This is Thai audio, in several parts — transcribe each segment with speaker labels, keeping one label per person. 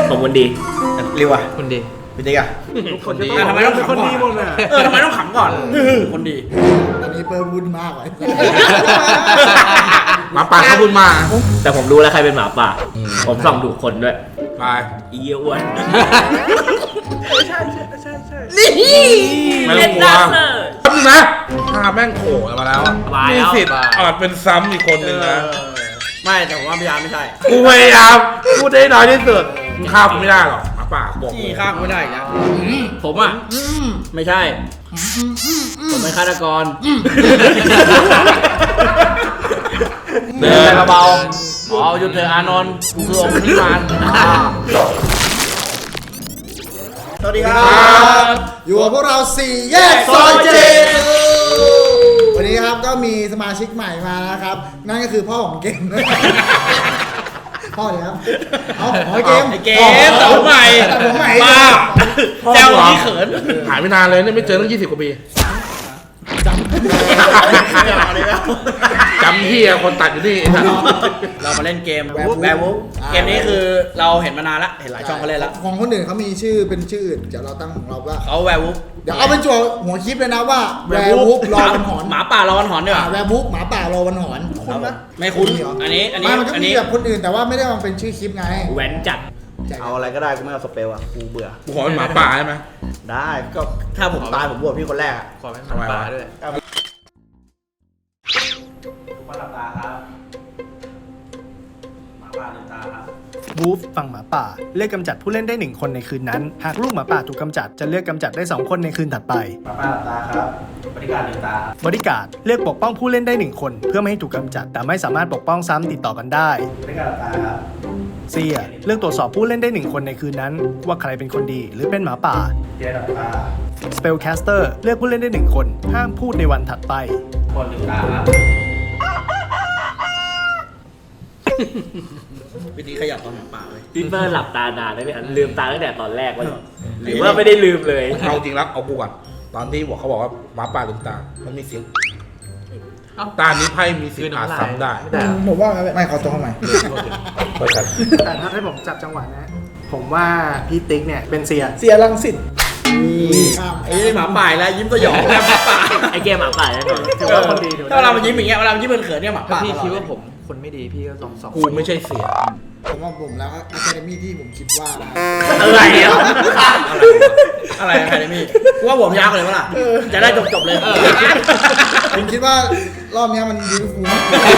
Speaker 1: ผมคนดีเร็วอ่ะคนดีพี่ติ๊กอ่ะคนดีทำไมต้องเป็นคนดีหมดอ่ะทำไมต้องขำก่อนคนดี
Speaker 2: ตอนนี้เปิร์บุญมากเลย
Speaker 1: หมาป่าเขาบุญมาแต่ผมรู้แล้วใครเป็นหมาป่าผมส่องถูกคนด้วยไปอีเยี่ยอ้วนใช่นี่ไม่ต้องกลัวทำนะถ้าแม่งโผล่มาแล้วมีสิทธิ์อาจเป็นซ้ำอีกคนหนึ่งนะไม่แต่ผมว่าพยายามไม่ใช่กูพยายามพูดได้น้อยที่สุดมึงฆ่ากูไม่ได้หรอกหมาป่าบอกกูฆ่ากูไม่ได้นะผมอ่ะไม่ใช่ผมเป็นฆาตกรเดินเบาๆอ๋อหยุดเถอะอานนท์กูคือองค์นิมานสวัสดีครับ
Speaker 2: อยู่กับพวกเรา4แยกซอยเจวันนี้ครับก็มีสมาชิกใหม่มานะครับนั่นก็คือพ่อของเกมพ่อเนี่ยครับเอาเกม
Speaker 1: แต่ผมใหม่ป้าแซวที่เขิน
Speaker 3: หายไปนานเลยเนี่ยไม่เจอตั้ง20 กว่าปีจำที่คนตัดอยู่นี่
Speaker 1: เรามาเล่นเกมแวร์วูฟเกมนี้คือเราเห็นมานานละเห็นหลายช่องเขาเล่นแล้ว
Speaker 2: ของคนอื่นเขามีชื่อเป็นชื่ออื่นเดี๋ยวเราตั้งของเราว่า
Speaker 1: เขาแวร์วูฟ
Speaker 2: เดี๋ยวเอาเป็นจั่วหัวคลิปเลยนะว่าแวร์วูฟรอวันหอน
Speaker 1: หมาป่ารอวันหอนด้วย
Speaker 2: แวร์วูฟหมาป่ารอวันหอน
Speaker 1: คุ้นไหมไม่คุ้นอันนี้
Speaker 2: มันก็มีแบบคนอื่นแต่ว่าไม่ได้มาเป็นชื่อคลิปไง
Speaker 1: แหวนจัดเอาอะไรก็ได้กูไม่เอาสเปลอ่ะกูเบื่อ
Speaker 3: กูขอเป็นหมาป่าใช่ไหม
Speaker 1: ได้ก็ถ้าผมตายผมบวชพี่คนแรกขอเป็นหมาป่าด้วยหลับตาครับหมาป่าลืมตาครับ
Speaker 4: วูฟฝั่งหมาป่าเลือกกำจัดผู้เล่นได้1คนในคืนนั้นหากลูกหมาป่าถูกกำจัดจะเลือกกำจัดได้2คนในคืนถัดไป
Speaker 1: หมาป่าหลับตาครับบริการลืมตา
Speaker 4: บริการเลือกปกป้องผู้เล่นได้1คนเพื่อไม่ให้ถูกกำจัดแต่ไม่สามารถปกป้องซ้ำติดต่อกันได้
Speaker 1: บริการหลับตาครับ
Speaker 4: เซียเลือกตรวจสอบผู้เล่นได้1คนในคืนนั้นว่าใครเป็นคนดีหรือเป็นหมาป่า
Speaker 1: เซียหลับตา
Speaker 4: สเปลแคสเตอร์เลือกผู้เล่นได้1คนห้ามพูดในวันถัดไป
Speaker 1: คนลืมตาครับวิธีขยับตอนหมาป่าเลย
Speaker 5: พี่เฟิร์นหลับตานานได้ไหมครับลืมตาตั้งแต่ตอนแรกวะหรือว่าไม่ได้ลืมเลย
Speaker 3: เอาจริงแล้วเอากูก่อนตอนที่เขาบอกว่าหมาป่าลืมตามันมีเสียงตานี้ไพ่มีสิทธิ์อาจซ้ำได้
Speaker 2: ผมว่าไม่ขอตัวใหม่
Speaker 4: แต่ถ้าให้ผมจับจังหวะนะผมว่าพี่ติ๊กเนี่ยเป็นเสี
Speaker 2: ยรังสิต
Speaker 1: ไอ้หมาป่าแล้วยิ้มสยองแล้วหมาป่า
Speaker 5: ไอ้เกมหมาป่าแน่นอน
Speaker 4: ถือว่าคนดี
Speaker 1: ถ้าเรายิ้มอย่างเงี้ยเวลายิ้มเขินเนี่ยหมาป่า
Speaker 5: พี่คิดว่าผมคนไม่ดีพี่ก็สอง
Speaker 3: กูไม่ใช่เสีย
Speaker 2: ผมว่าผมแล้วอะคาเดมี่ที่ผมคิดว่า
Speaker 1: อะไรอ่ะอะไรอะคาเดมี่กูว่าผมยาวเลยมั้งล่ะจะได้จบเลย
Speaker 2: ผมคิดว่ารอบนี้มันยูฟูมาก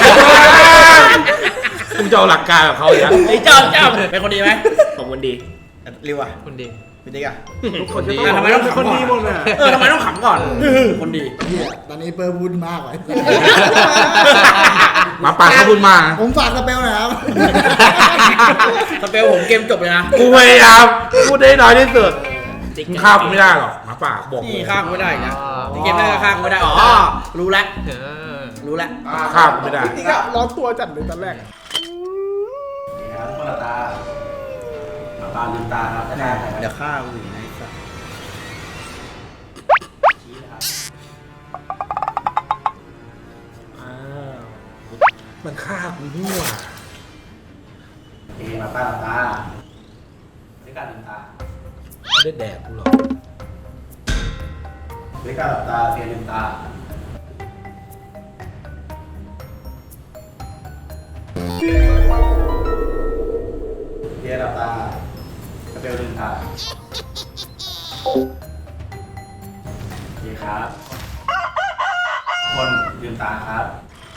Speaker 3: คุณจะเอาหลักการกับเขาอย่าง
Speaker 1: ไอ้เจ้าเป็นคนดีไหม
Speaker 5: ผมคนดี
Speaker 1: เร็วอ่ะ
Speaker 5: คนดี
Speaker 1: พี่ติ๊กอ่ะ
Speaker 3: คนดี
Speaker 1: ทำไมต้องขำก่อนทำไมต้องขำก่อนคนดี
Speaker 2: ตอนนี้เปิร์บุญมากเลย
Speaker 3: หมาป่าเขาบุญมา
Speaker 2: ผมฝากสเปลหน่อยครับ
Speaker 1: สเปลผมเกมจบเลยนะ
Speaker 3: กูพยายามพูดได้น้อยที่สุดมึงฆ่ากูไม่ได้หรอกหมาป่าบอก
Speaker 1: นี่ฆ่ากูไม่ได้นะเกมแรกก็ฆ่ากูไม่ได้อ๋อรู้แล้ว
Speaker 3: ฆ่ากูไม่ได้
Speaker 2: นี่ก็ร้อนตัวจัดเลยตอนแรก
Speaker 1: นี่ครับหมาตาลืมตาครับเดี๋ยวฆ่ากูอยู่ในสัตว์
Speaker 3: มันฆ่ากูนี่หว่า
Speaker 1: หมาตาบริการลืมตา
Speaker 3: ไม่ได้แดกกูหรอก
Speaker 1: บริการหลับตาเพียงลืมตาเพียงหลับตากระเบลลืมตาโอเคครับคนลืมตาครับ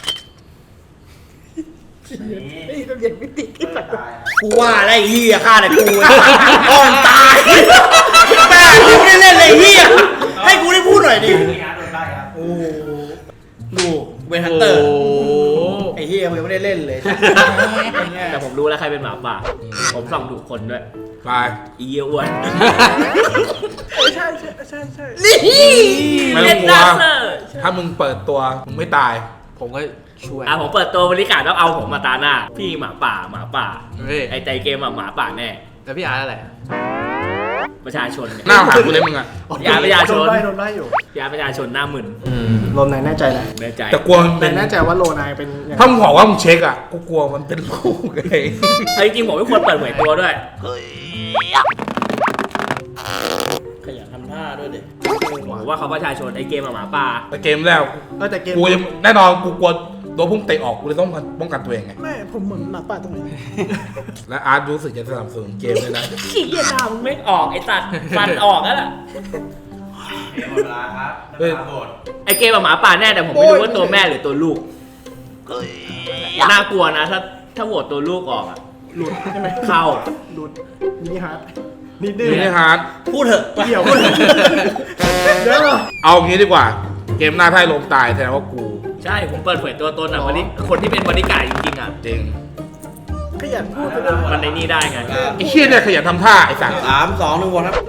Speaker 2: นี่ต้องเย็นมิติขึ้นมา
Speaker 1: กูว่าอะไรเหี้ยฆ่าแต่กูอ่อนตายแม่กูไม่ได้เล่นเลยเหี้ยให้กูได้พูดหน่อยดิโอ้ดูเวนฮันเตอร์ไอ้เหี้ยยังไม่ได้เล่นเลย
Speaker 5: แต่ผมรู้แล้วใครเป็นหมาป่าผมส่องถูกคนด้วย
Speaker 3: ไป
Speaker 5: อีเยี่ยอ้วน
Speaker 2: ใช่
Speaker 1: นี่
Speaker 3: ไม่ต้องกลัวถ้ามึงเปิดตัวมึงไม่ตาย
Speaker 5: ผมก็ช่วยผมเปิดตัวบริการต้องเอาผมมาตาหน้าพี่หมาป่าไอ้ใจเกมหมาป่าแน่
Speaker 1: แล้วพี่อาร์ตอะไร
Speaker 5: ประชาชน
Speaker 3: หน้าหากูเลยมึงอ่ะ
Speaker 5: ยาประชาชน
Speaker 4: โดนไล่อยู่
Speaker 5: ยาประชาชนหน้ามึน
Speaker 4: โลนายแน่ใจนะ
Speaker 5: แน่ใจ
Speaker 3: แต่กลัว
Speaker 4: แต่แน่ใจว่าโลนายเป็น
Speaker 3: ถ้ามึงบอกว่ามึงเช็คอ่ะกูกลัวมันเป็นโรคไง
Speaker 5: จริงๆผมไม่ควรเปิดเผยตัวด้วย
Speaker 1: ขยันทำท่าด้วยเด็ก
Speaker 5: ผมว่าเขาประชาชนไอเกมหมาป่า
Speaker 3: แต่เกมแล้ว
Speaker 4: แต่เกม
Speaker 3: กูยังแน่นอนกูกลัวโดนพุ่งเตะออกกูเลยต้องป้องกันตัวเองไง
Speaker 4: ไม่ผมเหมือนหมาป่าตรงไหน
Speaker 3: และอาร์ตรู้สึกจะสนับสนุนเกมด้วยนะ
Speaker 5: ขี้เกียจด่ามึงไม่ออกไอตัดฟันออกแล้วล่ะ
Speaker 1: หมดเวลาครับ
Speaker 3: เฮ้ย
Speaker 1: หมด
Speaker 5: ไอเกมหมาป่าแน่แต่ผมไม่รู้ว่าตัวแม่หรือตัวลูกน่ากลัวนะถ้าโหวตตัวลูกออกอะ
Speaker 4: หลุดใช่ไหม
Speaker 5: เข้า
Speaker 4: หลุดมินิฮาร์ดนิดนึง
Speaker 3: นี่ฮาร์ด
Speaker 1: พูดเถอะ
Speaker 4: เกี่ยวเดี๋ยว
Speaker 3: เอางี้ดีกว่า เกมหน้าไพ่ลมตายแสดงว่ากู
Speaker 5: ใช่ผมเปิดเผยตัวตนอ่ะวันนี้คนที่เป็นบริการดจริงๆอ่ะ
Speaker 3: จริง
Speaker 4: ขยันพูดไปเลย
Speaker 5: มันในนี่ได้ไง
Speaker 3: ไอ้เชี่ยเนี่ยขยันทำท่าไอ้สัตว์
Speaker 1: 3 2 1 1ครับ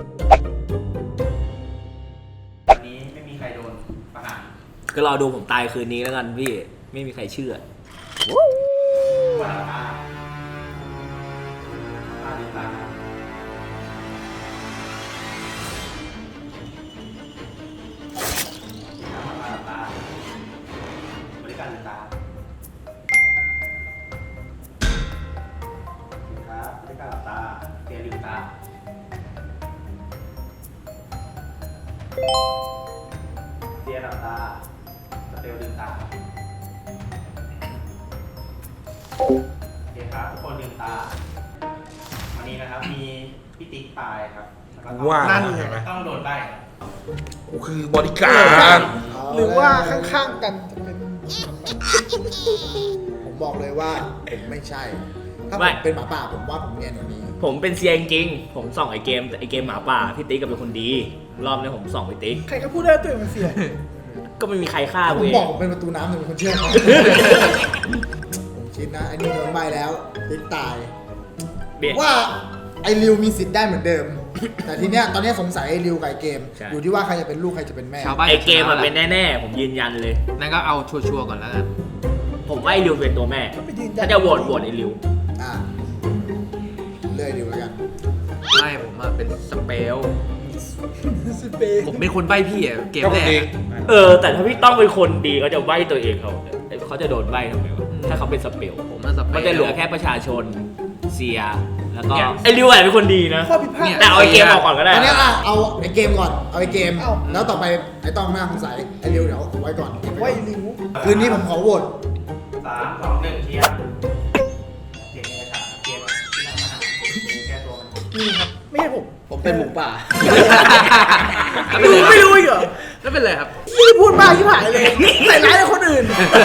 Speaker 1: วันนี้ไม่มีใครโดนประหาร
Speaker 5: ก็รอดูผมตายคืนนี้แล้วกันพี่ไม่มีใครเชื่อ
Speaker 1: วันละลืมตาบริการลืมตาครับบริการหลับตาเตียลืมตาเตียหลับตาสเตลลืมตาโอเคครับทุกคนลืมตาวันนี้นะครับมีพี่ติ๊กตายครับแล้วก็ต้อง
Speaker 3: ว่า
Speaker 4: นั่น
Speaker 3: เห็นไหม
Speaker 1: ต้องโดนใบ้
Speaker 3: กูคือบริการด
Speaker 2: หรือว่าข้างๆกันจะเป็นผมบอกเลยว่าผมไม่ใช่ ถ้าผมเป็นหมาป่าผมว่าผมเนียนกว่านี้
Speaker 5: ผมเป็นเซียจริงๆผมส่องไอเกมหมาป่าพี่ติ๊กก็เป็นคนดี รอบนี้ผมส่องพี่ติ๊ก
Speaker 4: ใครก็พูดได้ตัวเองมันเสีย
Speaker 5: ก็ไม่มีใครฆ่า
Speaker 2: ผ
Speaker 5: กู
Speaker 2: ม
Speaker 5: เอง
Speaker 2: บอกผมเป็นประตูน้ำหนึ่งคนเชื่อผมผมคิดนะไอ้นี่โดนใบแล้วติ๊กตาย
Speaker 5: เบียด
Speaker 2: ว่าไอ้ริวมีสิทธิ์ได้เหมือนเดิม แต่ทีเนี้ยตอนเนี้ยสงสัยไอ้ริวกับไอ้เกม
Speaker 5: ใช่
Speaker 2: อยู่ที่ว่าใครจะเป็นลูกใครจะเป็นแม่
Speaker 6: ชาวบ้าน
Speaker 5: ไอเกมมันเป็นแน่ๆผมยืนยันเลย
Speaker 6: นั่นก็เอาชัวร์ๆก่อนแล้วกัน
Speaker 5: ผมว่าไอริวเป็นตัวแม่
Speaker 4: ไปยืนยัน
Speaker 5: ถ้าจะโหวตไอริว
Speaker 2: อ่าเลื่อยริวแล้วกัน
Speaker 6: ไม่ผมอะเป็นสเปล
Speaker 4: สเปน
Speaker 6: ผมเป็นคนใบ้พี่อะเกม
Speaker 3: ก็
Speaker 6: แร
Speaker 3: คน
Speaker 6: ก
Speaker 3: ดี
Speaker 6: อะ
Speaker 5: แต่ถ้าพี่ต้องเป็นคนดีเขาจะใบ้ตัวเองเขาจะโดนใบ้ทำไมวะถ้าเขาเป็นสเปล
Speaker 6: ผมมันสเปล
Speaker 5: มันจะเหลือแค่ประชาชนเซียแล้วก็
Speaker 6: เนี่ย
Speaker 5: ไอริวอะเป็นคนดีนะ
Speaker 4: ข้อผิดพลาด
Speaker 6: เนี่ย
Speaker 5: แต่เอาไอเกมออกก่อนก็ได้
Speaker 2: ตอนเนี้ยอ่ะเอาไอ้เกมก่อนเอาไอ้เกม
Speaker 4: เอ้า
Speaker 2: แล้วต่อไปไอ้ต้องหน้าสงสัยไอ้ริวเดี๋ยวไว้ก่อนเก็บ
Speaker 4: ไว้
Speaker 2: ไว้ก่อน
Speaker 4: ริ้ว
Speaker 2: คืนนี้ผมขอโหวต
Speaker 1: 3 2 1เชียร์เกมนี้ครับเกมที่นำมาหาแก้ตัวมัน
Speaker 4: นี่ครับไม่ใช่ผม
Speaker 1: ผมเป็นหมูป่า
Speaker 4: ไม่รู้อีกเหรอ
Speaker 6: แล้วเป็นไรครับ
Speaker 4: ยี่พูดมากที่หายเลยใส่ร้ายคนอื่น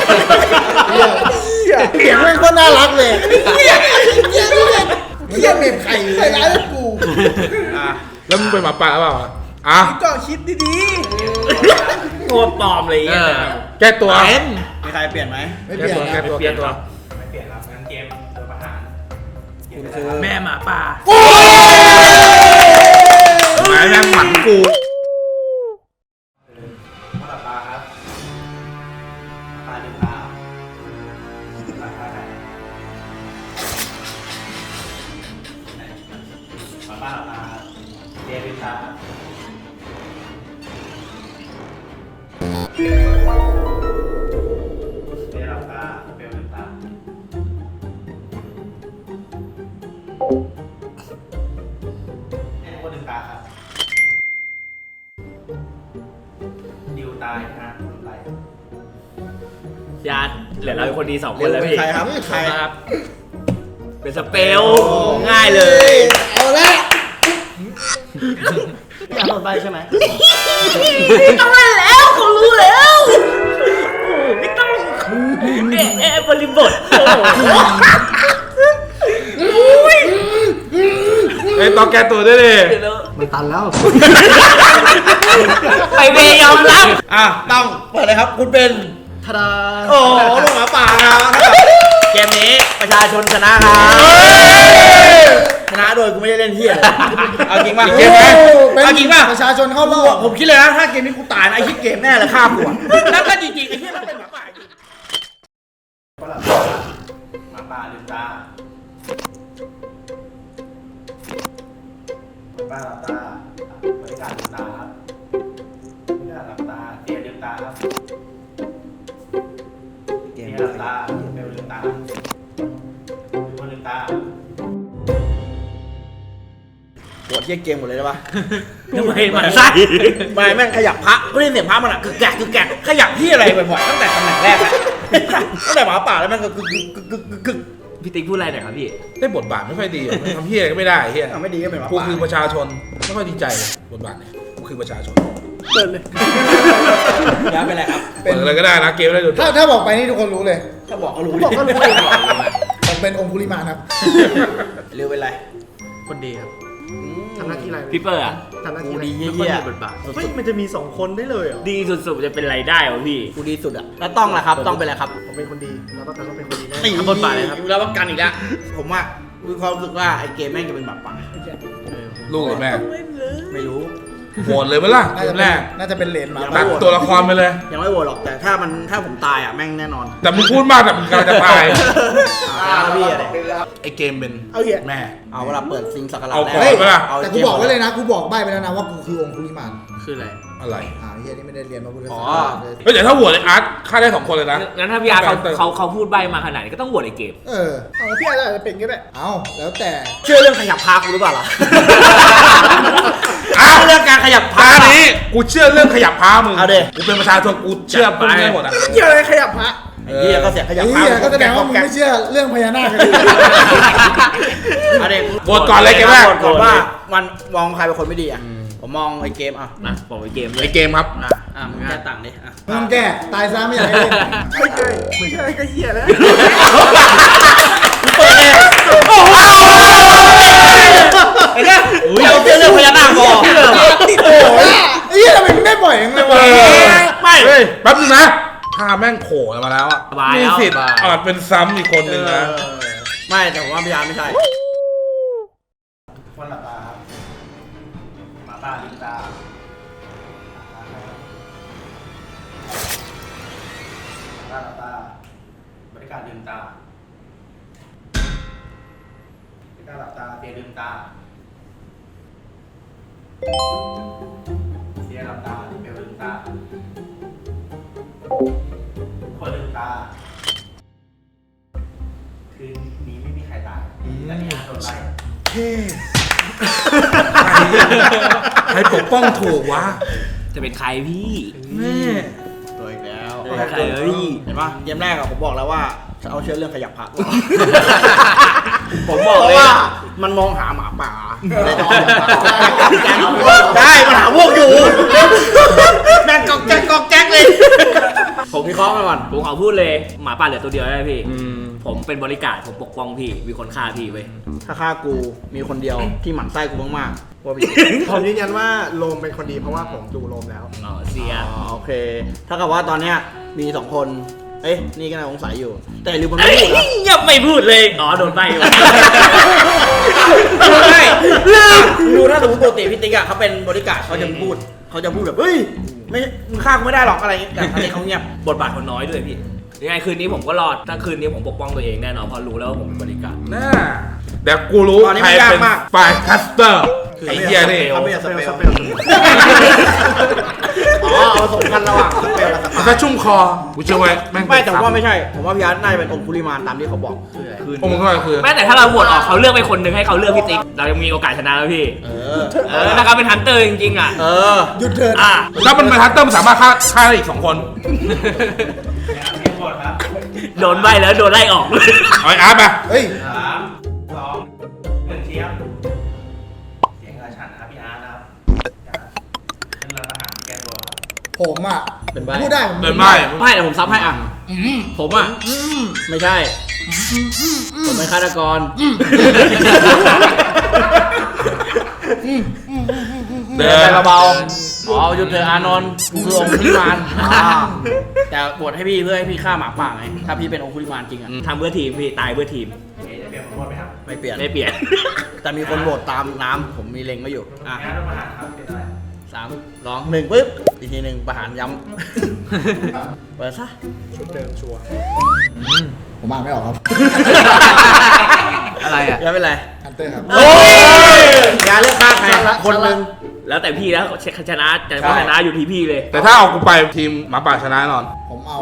Speaker 2: เสียงมันก็น่ารักเลยเฮียเมมใครใส่ร้ายกู
Speaker 3: แล้วมึงเป็นหมาป่าหรือเปล่าอ่ะ
Speaker 4: ก่อนคิดดี
Speaker 5: โง่ปลอมเลยอ่ะ
Speaker 3: แก้ตัว
Speaker 1: มีใครเปลี่ยนไหม
Speaker 2: ไม่เปลี่ยน
Speaker 3: แก้
Speaker 2: นะ
Speaker 3: ตัวแก้ตัว
Speaker 1: ไม่เปลี่ยนครับงั้นเกมโดนประหารเกม
Speaker 2: คือ
Speaker 6: แม่หมาป่า
Speaker 3: หมายแม่งหมันกู
Speaker 1: หลับตาครับตาลืมตาหลับตาไหนหลับตาหลับตาเดลืมตาเดหลับตาเปลลืมตาทุกคนลืมตาครับดิวตายนะคนไร
Speaker 5: ญาติเหลือเราเป็นคนดี2 คนแล้วพี่
Speaker 1: ใครครับใคร
Speaker 5: ครับ เป็นสเปลง่ายเลย
Speaker 2: เอาละ
Speaker 4: ๆอยากโดนใบใช่ไหม
Speaker 5: ไม่ต้องมาแล้วเขารู้แล้วโอ้ไม่ต้องบริบทโอ้ย
Speaker 3: ไอ้ยต้องแก้ตัวด้วยดิ
Speaker 5: เดี๋ยวนะ
Speaker 4: มันตันแล้ว
Speaker 5: ไปเวย์ยอมรับ
Speaker 1: ต้องเปิดเลยครับคุณเป็น
Speaker 4: ทาดา
Speaker 1: โอ้ลูกหมาป่าครับ
Speaker 5: เกมนี้ประชาชนชนะครับ
Speaker 1: ชนะโดยกูไม่ได้เล่นเที่ยเอาจริงป่ะ
Speaker 2: เกมไหม
Speaker 1: เอาจริงป่ะ
Speaker 2: ประชาชนเข้ารอบ
Speaker 1: ผมคิดเลยนะถ้าเกมนี้กูตายนะไอ้ที่เกมแน่เลยฆ่ากูแล้วก็จริงๆไอ้ที่มันเป็นหมาป่าจริงหมาป่าลืมตาหมาป่าหลับตาบริการลืมตาครับบริการหลับตาเตียลืมตาครับเตียหลับตาเบลลืมตาทุกคนลืมตา
Speaker 7: ปวดเยี่ยเกมหมดเลยได้ปะ
Speaker 5: ทำไมมันไส้
Speaker 7: ไม่แม่งขยับพระก็ได้ยินเสียงพระมันอะกึกแกะกึกแกะขยับที่อะไรบ่อยๆตั้งแต่ตำแหน่งแรกอะตั้งแต่หมาป่าแล้วมันก็กึกกึกกึกกึกกึก
Speaker 5: พี่ติ๊กพูดอะไรหน่อยครับพี่
Speaker 3: ได้บทบาทไม่ค่อยดีมันทำเฮียอะไรก็ไม่ได้เฮีย
Speaker 7: ไม่ดีก็เป็นหมา
Speaker 3: กู
Speaker 7: ป่า
Speaker 3: คือประชาชนไม่ค่อยดีใจเลยบทบาทเนี่ยกูคือประชาชน
Speaker 7: ย้ายไปเลยครับ
Speaker 3: เปิดอะไรก็ได้นะเกมอะไรดู
Speaker 2: ถ้าบอกไปนี่ทุกคนรู้เลย
Speaker 7: ถ้าบอกก็รู้
Speaker 2: บอกก็รู้เลยผมเป็นองคุลิมานครับ
Speaker 7: เร็วเป็นไร
Speaker 6: คนดีครับ
Speaker 4: ทำหน้าที่อะไร
Speaker 5: พี่เปอร์อะ
Speaker 4: ทำหน้า
Speaker 7: กู
Speaker 4: ที่อะไร
Speaker 7: ดี
Speaker 6: ไม่
Speaker 7: เยี่
Speaker 6: ค่อย
Speaker 7: ย
Speaker 6: มีบทบาท
Speaker 4: เฮ้ยมันจะมี2คนได้เลยเหรอ
Speaker 5: ดีสุดๆจะเป็นไรได้วะพี่
Speaker 7: กูดีสุดอะแล้วต้องล่ะครับต้องเป็นอะไรครับ
Speaker 4: ผมเป็นคนดีแล้วก็แต่ต้องเป็นคนดีแน่
Speaker 7: ตี
Speaker 6: บทบาทเลยครับ
Speaker 7: แล้วประกันอีกแล้วผมอะมีความรู้สึกว่าไอ้เกมแม่งจะเป็นหมาป่า
Speaker 3: ลูกหรือแม่
Speaker 7: ไม่รู้
Speaker 3: โหวตเลยไหมล่ะเก
Speaker 2: น่าจะ
Speaker 3: ม
Speaker 2: เป็น
Speaker 3: แรก
Speaker 2: น่าจะเป็นเหรนหมา
Speaker 3: ตัดตัวละครไปเลย
Speaker 7: ยังไม่โหวตหรอกแต่ถ้าผมตายอะแม่งแน่นอน
Speaker 3: แต่มึงพูดมากแต่มึงกำลังจะตาย
Speaker 7: พี่อะไร
Speaker 3: ไอเกมเป็น
Speaker 2: เอาเหี้ย
Speaker 3: แม่
Speaker 7: เอาเวลาเปิดซิงสักการะ
Speaker 3: เอา
Speaker 7: แร
Speaker 3: ก่อน
Speaker 2: เฮ้ย
Speaker 3: ปะล่ะ
Speaker 2: แต่กูบอกไว้เลยนะกูบอกใบ้ไปแล้วนะว่ากูคือองคุลิมาน
Speaker 6: คืออะไร
Speaker 3: อะไร
Speaker 2: เฮียนี่ไม่ได้เรียนมาพุทธศา
Speaker 7: อ๋
Speaker 2: ส
Speaker 7: อ
Speaker 2: นาเลย
Speaker 3: เฮ้ยแต่ถ้าโหวตไออาร์ตฆ่าได้2คนเลยนะ
Speaker 5: งั้นถ้าพี่อาร์เขาพูดใบมาขนาดนี้ก็ต้องโหวตไอเกม
Speaker 2: เอาพี่อาจจะเป็นก็ได้เอาแล้วแต่
Speaker 7: เชื่อเรื่องขยับพากูหรือเปล่าล่ะ
Speaker 3: อ้าว
Speaker 7: เรื่องการขยับพา
Speaker 3: ตานี้กูเชื่อเรื่องขยับพามึง
Speaker 7: เอาดิ
Speaker 3: กูเป็นประชาชนกูเชื่อพวกนี้หมดอ่ะ
Speaker 2: เกี่ยวอะไรขยับพระ
Speaker 7: ไอ้เหี้ยก็เสียงขยับ
Speaker 2: ไอ้
Speaker 7: พา
Speaker 2: เฮียก็แสดงว่ามึงไม่เชื่อเรื่องพญานาคกัน
Speaker 7: เอาดิ
Speaker 3: โหวตก่อนเลยเกมแรก
Speaker 7: โหวตก่อนว่ามันมองใครเป็นคนไม่ดีอ่ะผมมองไอ้เกมอ่ะ
Speaker 5: นะบอกไอเกมเล
Speaker 3: ไอย เกมครับ
Speaker 7: มึงแค่ต่างดิอ่ะ
Speaker 2: มึงแก่ตายซะไม่อยากให้เล่น
Speaker 4: ไม่ใช่ไม่ใช่ก็เหี้ยแล้ว
Speaker 7: เปิดเลยโอ้โหไอ้เนี่ยเอาเรื่องพญานาคบอก
Speaker 2: โอ้ยไอ้เฮียทำไมมึงได้บ่อยอย่างเลยวะ
Speaker 7: ไม่
Speaker 3: เฮ้ยแป๊บนึงนะถ้าแม่งโผล่มาแล้วอ่ะ
Speaker 5: สบาย
Speaker 3: มี
Speaker 5: แล้ว
Speaker 3: สิทธิ์อาจเป็นซ้ำอีกคนนึงนะ
Speaker 7: ไม่แต่ผมว่าพยานไม่ใช่
Speaker 2: วันหลับตาครับหมาป่าลืมตาหลับตาบริการลืมตาบริการหลับตาเตียลืมตาเตียหลับตาเตียลืมตาคนลืมตาคืนนี้ไม่มีใครตายแต่มีอาโดนไล่
Speaker 3: ใครปกป้องถูกวะ
Speaker 5: จะเป็นใครพี่
Speaker 3: แม่
Speaker 7: ตัวอีกแล้ว
Speaker 5: ใครเอ้ย
Speaker 7: เห็นปะเกมแรกอะผมบอกแล้วว่าจะเอาเชื่อเรื่องขยับผัก
Speaker 5: ผมบอก
Speaker 7: เพ
Speaker 5: เลย
Speaker 7: ราะว่า
Speaker 5: อะ
Speaker 7: มันมองหาหมาป่าเลยต้องได้มันหาพวกอยู่แม่งกอกแจ๊กกอกแจ๊กเลยผมวิเคราะห์มาก่อน
Speaker 5: ผมขอพูดเลยหมาป่าเหลือตัวเดียวได้พี่ ผมเป็นบริการผมปกป้องพี่ มีคนฆ่าพี่เว้ย
Speaker 7: ถ้าฆ่ากูมีคนเดียวที่หมั่นไส้กูมากๆว่าพี่
Speaker 4: ผมยืนยันว่าโลมเป็นคนดีเพราะว่าผมดูโลมแล้ว
Speaker 5: อ๋อเสีย
Speaker 7: โอเค ถ้ากับว่าตอนเนี้ยมี2 คน เอ้ยนี่ก็น่าสงสัยอยู่ แต่ลืมมันไม่พูดนะ
Speaker 5: ยังไม่พูดเลย อ๋อโดนใบว่ะ
Speaker 7: ไม่ดูถ้าสมมติปกติพี่ติ๊กอะเขาเป็นบริการเขาจะพูดแบบเฮ้ยไม่มึงฆ่ากูไม่ได้หรอกอะไรอย่างเงี้ยแต่ครั้งนี้เขาเงียบบ
Speaker 5: ทบาทคนน้อยด้วยพี่ ยังไงคืนนี้ผมก็รอด ถ้าคืนนี้ผมปกป้องตัวเองแน่นอนเพราะรู้แล้วว่าผมเป็นบริการ
Speaker 3: น่าเดี๋ยวกูรู้ใครเป็นฝ่ายคัสเตอร์ไอ้เหี้ยนี่
Speaker 7: เขาไม่อยากสเปล
Speaker 4: สเปล
Speaker 7: อ๋อเอาผสมกันระหว่างสเปลกับสปา
Speaker 3: ถ้าชุ่มคอกูเชื่อไว้แม่ง
Speaker 7: ไม่แต่ผมว่าไม่ใช่ ผมว่าพี่อาร์ตน่าจะเป็นองคุลิมานตามที่เขาบอกคืน
Speaker 3: พวกมึงก็คือ
Speaker 5: แม้แต่ถ้าเราโหวตออกเขาเลือกไปคนหนึ่งให้เขาเลือกพี่ติ๊ก เรายังมีโอกาสชนะแล้วพี่ ถ้าเขาเป็นฮันเตอร์จริงๆอ่ะ
Speaker 2: หยุดเถิด
Speaker 5: อ่ะ
Speaker 3: แล้วมันเป็นฮันเตอร์มันสามารถฆ่าได้อีก2 คน
Speaker 5: โดนใบแล้วโดนไล่ออกเลย
Speaker 3: เอาไอ้อาร์ตไป
Speaker 2: เฮ้ย
Speaker 1: 1 เทียบเสียงอาชันนะครับพี่อาร์ตนะครับเป็นรัฐประหารแก้ตัวครับ
Speaker 2: ผมอ่ะ
Speaker 7: เป็นใบ
Speaker 2: พูดได้ผม
Speaker 3: เดินไม่
Speaker 7: ไม่แต่ผมซับให้อ่ะผมอ่ะไม่ใช่ ผมเป็นฆาตกร
Speaker 3: เดิ
Speaker 7: เดิน
Speaker 3: น
Speaker 7: ไปเบาๆอ๋อหยุดเถอะอานนท์กูคือองคุลิมานแต่บวชให้พี่เพื่อให้พี่ฆ่าหมาป่าไง ถ้าพี่เป็นองคุลิมานจริงอ่ะ
Speaker 5: ทำเพื่อทีมพี่ตายเพื่อทีม
Speaker 1: จะเปลี่ยนผมโทษไหมครับ
Speaker 7: ไม่เปลี่ยน
Speaker 5: ไม่เปลี่ยน
Speaker 7: แต่มีคนโหวตตามน้ำผมมีเล็งไว้อยู่ อ่ะ
Speaker 1: งานรัฐประหารครับเป็นอะไร
Speaker 7: 3 2 1ปึ๊บ อีกทีหนึ่งประหารย้ำ เปิดซะ
Speaker 4: ชุดเดิมชัวร์
Speaker 2: ผมอ่านไม่ออกครับ
Speaker 6: อะไรอ่ะ
Speaker 7: อย่าเป็นไร
Speaker 2: ฮันเตอร์ครับ
Speaker 7: โอ้ยอย่าเลือกฆ่าใครคนหนึ่ง
Speaker 5: แล้วแต่พี่แล้วชนะแต่ว่าชนะอยู่ที่พี่เลย
Speaker 3: แต่ถ้าเอากูไปทีมหมาป่าชนะแน่นอน
Speaker 2: ผมเอา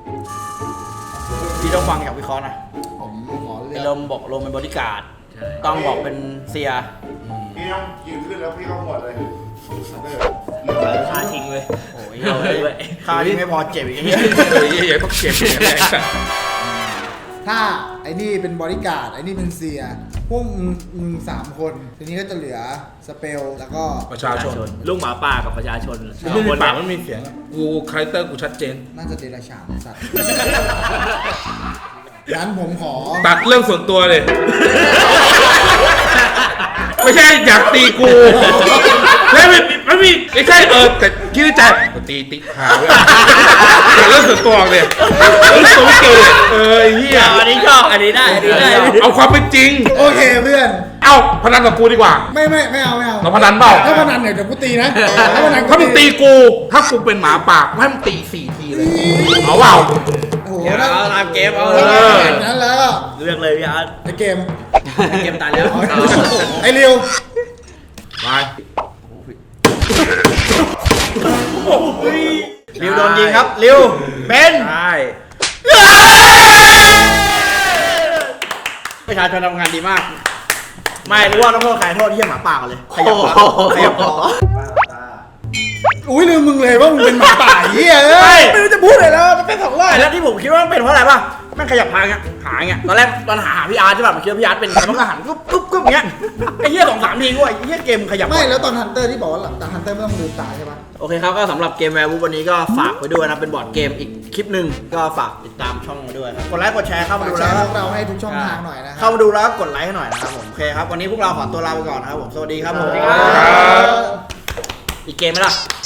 Speaker 7: พี่ต้องฟังจากวิเคราะห์นะ
Speaker 2: ผมขอเลื
Speaker 7: ไอ้
Speaker 2: อก
Speaker 7: ลมบอกลมเป็นบริการดต้องบอกเป็นเซีย
Speaker 8: พี่ต้องยืนขึ้นแล้วพี่ก็หมดเลย
Speaker 5: คาทิ้งเลย
Speaker 7: โอ้ย
Speaker 5: เอาเลยด้วย
Speaker 7: ค่าที่ไม่พอเจ็บอีกอย่างเงี้ย
Speaker 3: อย่าต้องเก็บอย่างนี้
Speaker 2: ถ้าไอ้นี่เป็นบริการดไอ้นี่เป็นเสียพวกมึงสามคนทีนี้ก็จะเหลือสเปลแล้วก็
Speaker 3: ประชาชน
Speaker 5: ลูกหมาป่ากับประชาชน
Speaker 3: ไม่มีปากไม่มีเสียงอะกูคาแรคเตอร์กูชัดเจน
Speaker 2: น่าจะเดรัจฉานสัตว์งั้นผมขอ
Speaker 3: ตัดเรื่องส่วนตัวเลย ไม่ใช่อยากตีกูแล้วไม่ใช่แต่คิดในใจตีติ๊กหาไว้แต่เรื่องส่วนตัวเลยเรื่องส่วนตัวไอ้เหี้ย
Speaker 5: อันนี้ชอบอันนี้ได้อันนี้ได้
Speaker 3: เอาความเป็นจริง
Speaker 2: โอเคเพื่อน
Speaker 3: เอาพนันกับกูดีกว่า
Speaker 2: ไม่เอา
Speaker 3: เราพนันเปล่า
Speaker 2: ถ้าพนันเนี่ยเดี๋ยวกูตีนะถ้าพนัน
Speaker 3: ถ้ามึงตีกู ถ้ากูเป็นหมาปากให้มึงตี4 ทีเลยเอาเปล่า
Speaker 2: โอ้โห
Speaker 7: เอาตามเกมเอา
Speaker 2: ถ้าแบบนั้นแล้ว
Speaker 5: เลือกเลยพี่อาร์ต
Speaker 2: ไอ้เกม
Speaker 7: เกมตายแล้ว
Speaker 2: ไอ้ริว
Speaker 3: ไป
Speaker 7: ริวโดนยิงครับริวเป็น
Speaker 3: ใช่
Speaker 7: ประชาชนทำงานดีมาก ไม่รู้ว่าต้องโทษใครโทษที่หมาป่ากันเลยขยับขยับคอ
Speaker 2: อุ้ยลืมมึงเลยว่ามึงเป็นหมาป่าเหี้ยเอ้ยไม่รู้จะพูดอะไรแล้วมันเป็นสองรอบ
Speaker 7: แล้วที่ผมคิดว่ามันเป็นเพราะอะไรป่ะแม่งขยับหางเงี้ยหางเงี้ยตอนแรกตอนหาพี่อาร์ตใช่ป่ะผมคิดว่าพี่อาร์ตเป็นมันก็หันกึ๊บกึ๊บกึ๊บเงี้ยไอ้เหี้ย2-3 ทีกูไอ้เหี้ยเกมขยับ
Speaker 2: ไม่แล้วตอนฮันเตอร์ที่บอกว่าหลังจากฮันเตอร์ไม่ต้องลืมตาใช่ปะ
Speaker 7: โอเคครับก็สำหรับเกมแวร์วูฟวันนี้ก็ฝากไว้ด้วยนะเป็นบอร์ดเกมอีกคลิปหนึ่งก็ฝากติดตามช่องมาด้วยครับกดไลค์กดแชร์เข้ามา
Speaker 2: ฝาก
Speaker 7: ดู
Speaker 2: แช
Speaker 7: แล้ว
Speaker 2: ร์พวกเราให้ทุกช่องทางหน่อยนะครั
Speaker 7: เข้ามาดูแล้วกดไลค์ให้หน่อยนะครับผมโอเคครับวันนี้พวกเราขอตัวลาไปก่อนนะครับผมสวัสดีครับผม
Speaker 2: ครับ
Speaker 7: อีกเกมไหมล่ะ